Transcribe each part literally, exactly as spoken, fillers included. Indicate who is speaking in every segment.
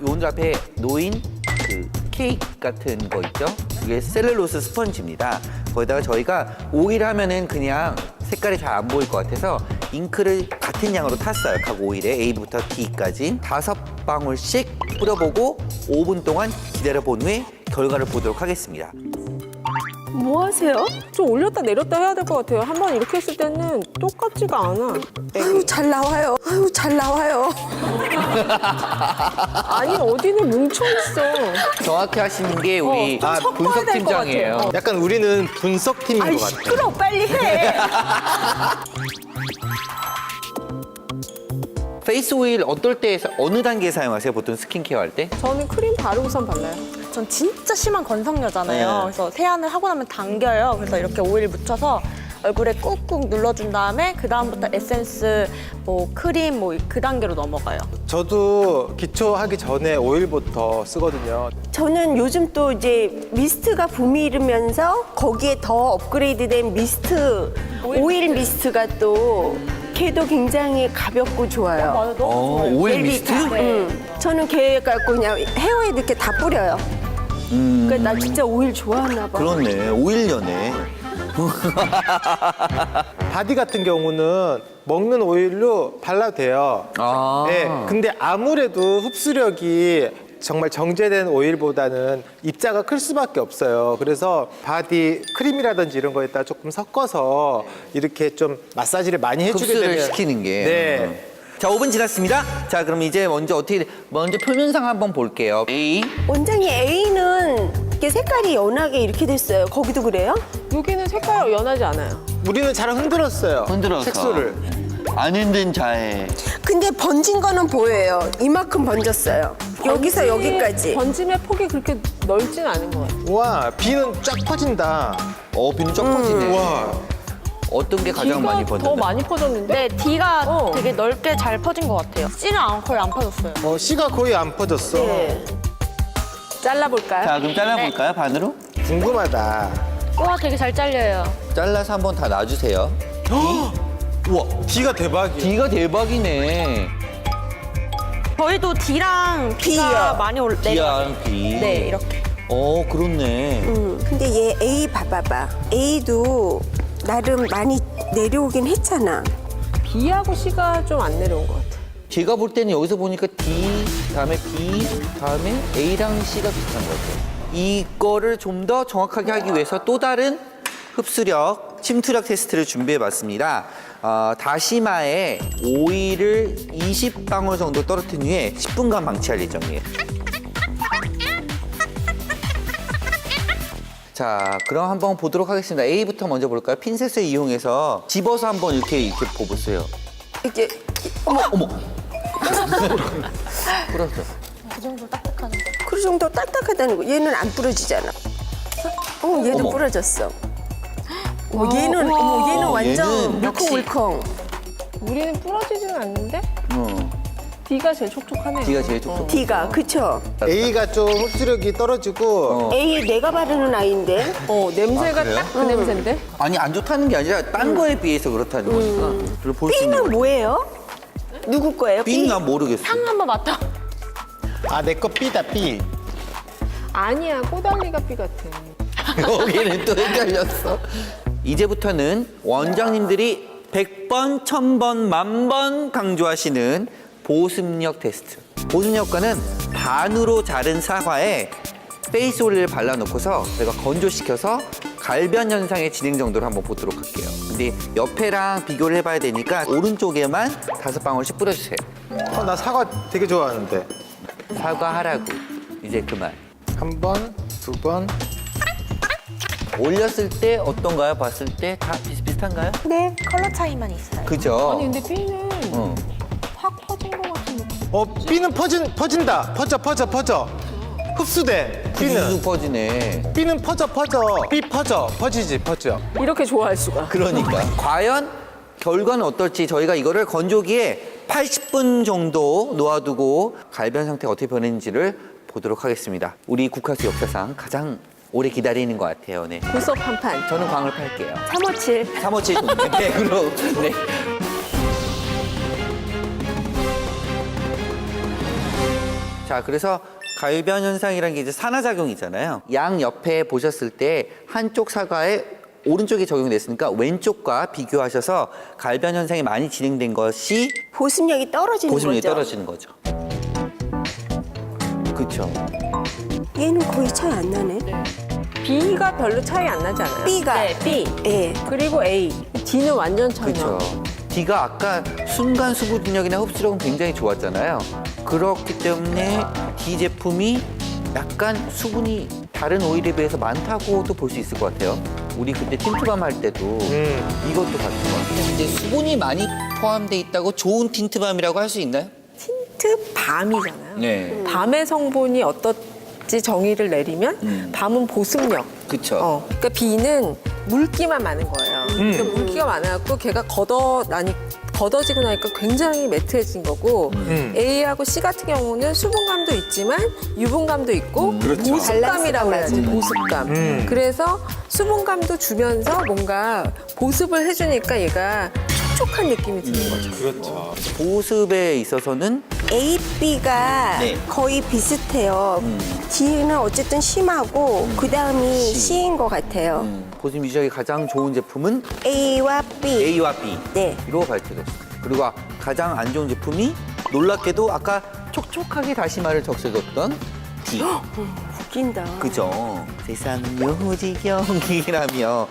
Speaker 1: 오늘 앞에 놓인 그 케이크 같은 거 있죠? 이게 셀룰로스 스펀지입니다. 거기다가 저희가 오일 하면은 그냥 색깔이 잘 안 보일 것 같아서 잉크를 같은 양으로 탔어요. 각 오일에 A부터 D까지 다섯 방울씩 뿌려보고 오 분 동안 기다려본 후에 결과를 보도록 하겠습니다.
Speaker 2: 뭐 하세요?
Speaker 3: 좀 올렸다 내렸다 해야 될 것 같아요. 한 번 이렇게 했을 때는 똑같지가 않아.
Speaker 2: 아유, 잘 나와요. 아유, 잘 나와요.
Speaker 3: 아니 어디는 뭉쳐 있어.
Speaker 1: 정확히 하시는 게 우리
Speaker 3: 좀
Speaker 1: 아,
Speaker 3: 섞어야
Speaker 1: 분석
Speaker 3: 될것
Speaker 1: 팀장이에요.
Speaker 3: 같아요.
Speaker 4: 약간 우리는 분석팀인
Speaker 2: 아이,
Speaker 4: 것 같아요.
Speaker 2: 시끄러, 빨리 해.
Speaker 1: 페이스 오일 어떨 때 어느 단계에 사용하세요? 보통 스킨케어 할 때?
Speaker 3: 저는 크림 바르고선 발라요.
Speaker 5: 전 진짜 심한 건성녀잖아요.
Speaker 1: 네.
Speaker 5: 그래서 세안을 하고 나면 당겨요. 그래서 이렇게 오일 묻혀서 얼굴에 꾹꾹 눌러준 다음에 그 다음부터 에센스, 뭐 크림, 뭐 그 단계로 넘어가요.
Speaker 4: 저도 기초하기 전에 오일부터 쓰거든요.
Speaker 2: 저는 요즘 또 이제 미스트가 붐이 일으면서 거기에 더 업그레이드된 미스트, 오일, 미스트가 또 걔도 굉장히 가볍고 좋아요.
Speaker 5: 맞아, 너무
Speaker 1: 어,
Speaker 5: 좋아요.
Speaker 1: 오일 미스트?
Speaker 2: 응. 저는 걔 갖고 그냥 헤어에 이렇게 다 뿌려요.
Speaker 1: 음,
Speaker 2: 그러니까 나 진짜 오일 좋아하나 봐.
Speaker 1: 그렇네. 오일녀네.
Speaker 4: 바디 같은 경우는 먹는 오일로 발라도 돼요.
Speaker 1: 아.
Speaker 4: 네, 근데 아무래도 흡수력이 정말 정제된 오일보다는 입자가 클 수밖에 없어요. 그래서 바디 크림이라든지 이런 거에다 조금 섞어서 이렇게 좀 마사지를 많이 해주게
Speaker 1: 흡수를
Speaker 4: 되면
Speaker 1: 시키는 게.
Speaker 4: 네.
Speaker 1: 자, 오 분 지났습니다. 자, 그럼 이제 먼저 어떻게, 먼저 표면상 한번 볼게요. A.
Speaker 2: 원장님 A는 이렇게 색깔이 연하게 이렇게 됐어요. 거기도 그래요?
Speaker 3: 여기는 색깔 연하지 않아요.
Speaker 4: 우리는 잘 흔들었어요.
Speaker 1: 흔들어서.
Speaker 4: 색소를.
Speaker 1: 안 흔든 자에.
Speaker 2: 근데 번진 거는 보여요. 이만큼 번졌어요. 여기서
Speaker 3: 번지-
Speaker 2: 여기까지.
Speaker 3: 번짐의 폭이 그렇게 넓진 않은 것 같아요.
Speaker 4: 우와, 비는 쫙 퍼진다.
Speaker 1: 어, 비는 쫙 퍼지네.
Speaker 4: 우와.
Speaker 1: 어떤 게 가장 많이
Speaker 3: D가
Speaker 1: 번졌나요?
Speaker 3: 더 많이 퍼졌는데?
Speaker 5: 네, D가
Speaker 3: 어.
Speaker 5: 되게 넓게 잘 퍼진 것 같아요. C는 안- 거의 안 퍼졌어요.
Speaker 4: 어, C가 거의 안 퍼졌어.
Speaker 2: 네.
Speaker 3: 잘라볼까요?
Speaker 1: 자, 그럼 잘라볼까요, 반으로?
Speaker 4: 궁금하다.
Speaker 5: 우와, 되게 잘 잘려요.
Speaker 1: 잘라서 한번 다 놔주세요.
Speaker 4: 우와, D가 대박이야.
Speaker 1: D가 대박이네.
Speaker 5: 저희도 D랑 B가
Speaker 2: B요.
Speaker 5: 많이 올 내려가요.
Speaker 1: D랑 B.
Speaker 5: 네, 이렇게.
Speaker 1: 어, 그렇네.
Speaker 2: 음, 근데 얘 A 봐봐봐. A도 나름 많이 내려오긴 했잖아.
Speaker 3: B하고 C가 좀 안 내려온 것 같아요.
Speaker 1: 제가 볼 때는 여기서 보니까 D, 다음에 B, 다음에 A랑 C가 비슷한 것 같아요. 이거를 좀 더 정확하게 하기 위해서 또 다른 흡수력, 침투력 테스트를 준비해봤습니다. 어, 다시마에 오일을 이십 방울 정도 떨어뜨린 후에 십 분간 방치할 예정이에요. 자, 그럼 한번 보도록 하겠습니다. A부터 먼저 볼까요? 핀셋을 이용해서 집어서 한번 이렇게 이렇게 보보세요.
Speaker 2: 이제
Speaker 1: 어머, 어머. 뿌렸어.
Speaker 5: 그 정도 딱딱한 거.
Speaker 2: 그 정도 딱딱하다는 거. 얘는 안 부러지잖아. 어, 얘도
Speaker 1: 어머.
Speaker 2: 부러졌어. 어, 얘는 어머, 얘는
Speaker 1: 어,
Speaker 2: 완전
Speaker 1: 얘는 역시-
Speaker 2: 물컹물컹.
Speaker 3: 우리는 부러지지는 않는데?
Speaker 1: 어,
Speaker 3: D가 제일 촉촉하네요.
Speaker 1: D가 제일 촉촉.
Speaker 2: D가 그쵸?
Speaker 4: A가 좀 흡수력이 떨어지고
Speaker 1: 어.
Speaker 2: A 내가 바르는 아이인데.
Speaker 3: 어, 냄새가
Speaker 1: 아, 그래요?
Speaker 3: 딱 그 냄새인데?
Speaker 1: 아니 안 좋다는 게 아니라 딴 거에 비해서 그렇다는 거니까. 그걸 볼 수 있는
Speaker 2: B는
Speaker 1: 거죠.
Speaker 2: 뭐예요? 누구 거예요?
Speaker 1: B는 난 모르겠어.
Speaker 5: 향 한번 맡아.
Speaker 4: 아, 내 거 B다, B.
Speaker 3: 아니야, 꼬달리가 B 같아.
Speaker 1: 여기는 또 헷갈렸어. 이제부터는 원장님들이 백 번, 천 번, 만 번 강조하시는 보습력 테스트. 보습력과는 반으로 자른 사과에 페이스 오일을 발라놓고서 제가 건조시켜서 갈변 현상의 진행 정도를 한번 보도록 할게요. 근데 옆에랑 비교를 해봐야 되니까 오른쪽에만 다섯 방울씩 뿌려주세요.
Speaker 4: 어, 나 사과 되게 좋아하는데.
Speaker 1: 사과하라고. 이제 그만.
Speaker 4: 한 번, 두 번.
Speaker 1: 올렸을 때 어떤가요? 봤을 때 다 비슷비슷한가요?
Speaker 2: 네.
Speaker 5: 컬러 차이만 있어요.
Speaker 1: 그죠?
Speaker 3: 아니, 근데 B는
Speaker 1: 어.
Speaker 3: 확 퍼진 것 같은 느낌.
Speaker 4: 어, B는 퍼진, 퍼진다. 퍼져, 퍼져, 퍼져. 흡수돼. B는.
Speaker 1: 쑥 퍼지네.
Speaker 4: B는 퍼져, 퍼져. B 퍼져. 퍼지지, 퍼져.
Speaker 3: 이렇게 좋아할 수가.
Speaker 1: 그러니까. 과연 결과는 어떨지 저희가 이거를 건조기에 팔십 분 정도 놓아두고 갈변 상태가 어떻게 변했는지를 보도록 하겠습니다. 우리 국화수 역사상 가장 오래 기다리는 것 같아요. 네.
Speaker 3: 보석 한 판.
Speaker 1: 저는 광을 팔게요.
Speaker 2: 삼오칠.
Speaker 1: 삼오칠 좋네. 네, 그럼. 네. 자, 그래서 갈변 현상이라는 게 이제 산화작용이잖아요. 양 옆에 보셨을 때 한쪽 사과에 오른쪽이 적용됐으니까 왼쪽과 비교하셔서 갈변 현상이 많이 진행된 것이
Speaker 2: 보습력이 떨어지는
Speaker 1: 보습력이
Speaker 2: 거죠.
Speaker 1: 떨어지는 거죠. 그렇죠.
Speaker 2: 얘는 거의 차이 안 나네.
Speaker 3: B가 별로 차이 안 나지 않아요?
Speaker 2: B가.
Speaker 3: 네, B.
Speaker 2: 예.
Speaker 3: 그리고 A. D는 완전 차이 나.
Speaker 1: 그렇죠. D가 아까 순간 수분력이나 흡수력은 굉장히 좋았잖아요. 그렇기 때문에 D 제품이 약간 수분이 다른 오일에 비해서 많다고도 볼 수 있을 것 같아요. 우리 그때 틴트밤 할 때도
Speaker 4: 음.
Speaker 1: 이것도 같은 것 같아요. 근데 수분이 많이 포함돼 있다고 좋은 틴트밤이라고 할 수 있나요?
Speaker 3: 틴트 밤이잖아요.
Speaker 1: 네.
Speaker 3: 밤의 성분이 어떻지 정의를 내리면
Speaker 1: 음.
Speaker 3: 밤은 보습력.
Speaker 1: 그쵸.
Speaker 3: 어, 그러니까 B는 물기만 많은 거예요. 그러니까 물기가 많아갖고 걔가 걷어 나니 걷어지고 나니까 굉장히 매트해진 거고
Speaker 4: 음.
Speaker 3: A하고 C 같은 경우는 수분감도 있지만 유분감도 있고
Speaker 4: 그렇죠.
Speaker 3: 보습감이라고 해야지
Speaker 2: 맞아요.
Speaker 3: 보습감.
Speaker 4: 음.
Speaker 3: 그래서 수분감도 주면서 뭔가 보습을 해주니까 얘가 촉촉한 느낌이 드는 거죠.
Speaker 4: 그렇죠.
Speaker 1: 보습에 있어서는
Speaker 2: A, B가
Speaker 1: 네.
Speaker 2: 거의 비슷해요.
Speaker 1: 음.
Speaker 2: D는 어쨌든 심하고 그 다음이
Speaker 1: C.
Speaker 2: C인 것 같아요.
Speaker 1: 음, 보습 유지하기 가장 좋은 제품은
Speaker 2: A와 B.
Speaker 1: A와 B.
Speaker 2: 네.
Speaker 1: 로 발표됐습니다. 그리고 가장 안 좋은 제품이 놀랍게도 아까 촉촉하게 다시마를 적셔줬던 D.
Speaker 2: 웃긴다.
Speaker 1: 그죠? 세상 묘지경이라며.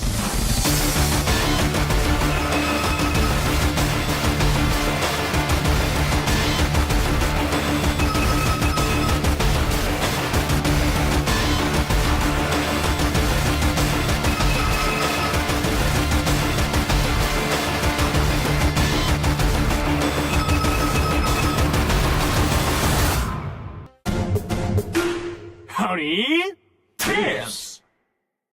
Speaker 6: Honey, test.